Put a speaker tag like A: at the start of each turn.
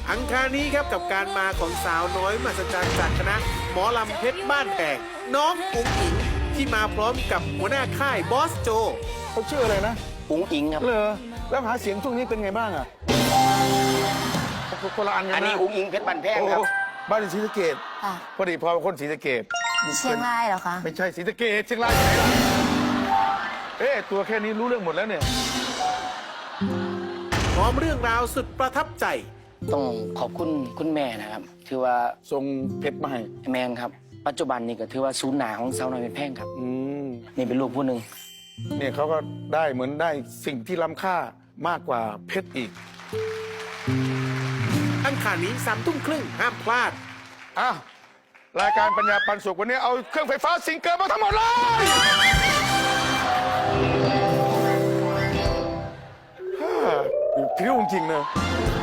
A: อังคารนี้ครับกับการมาของสาวน้อยมหัศจรรย์จากคณะหมอลำเพชรบ้านแพงน้องอุ๋งอิงที่มาพร้อมกับหัวหน้าค่ายบอสโจ
B: เขาชื่ออะไรนะ
C: อุ๋งอิงครับ
B: เลอแล้วหาเสียงช่วงนี้เป็นไงบ้างอ่ะคนละอันกันนะ
C: อันนี้อุ๋งอิงเพชรบันแพง
B: โอ้
C: ครับ
B: บ้านอยู่ศรีสะเกษ
D: ค่ะ
B: พอดีพอคนศรีสะเกษ
D: เชียงรายเหรอคะ
B: ไม่ใช่ศรีสะเกษเชียงรายที่ไหนล่ะเอ๊ะตัวแค่นี้รู้เรื่องหมดแล้วเนี่ย
A: พร้อมเรื่องราวสุดประทับใจ
C: ต้องขอบคุณคุณแม่นะครับถือว่า
B: ทรงเพชรมาให้
C: แมนครับ ปัจจุบันนี่ก็ถือว่าศูนย์หนาของสาวน้อยเพชรแพงครับ นี่เป็นลูกผู้หนึ่ง
B: เนี่ยเขาก็ได้เหมือนได้สิ่งที่ล้ำค่ามากกว่าเพชรอีก
A: อังคารนี้21:30ห้ามพลาด
B: อ้าวรายการปัญญาปันสุขวันนี้เอาเครื่องไฟฟ้าซิงเกิลมาทั้งหมดเลยฮ่าพริ้วจริงๆนะ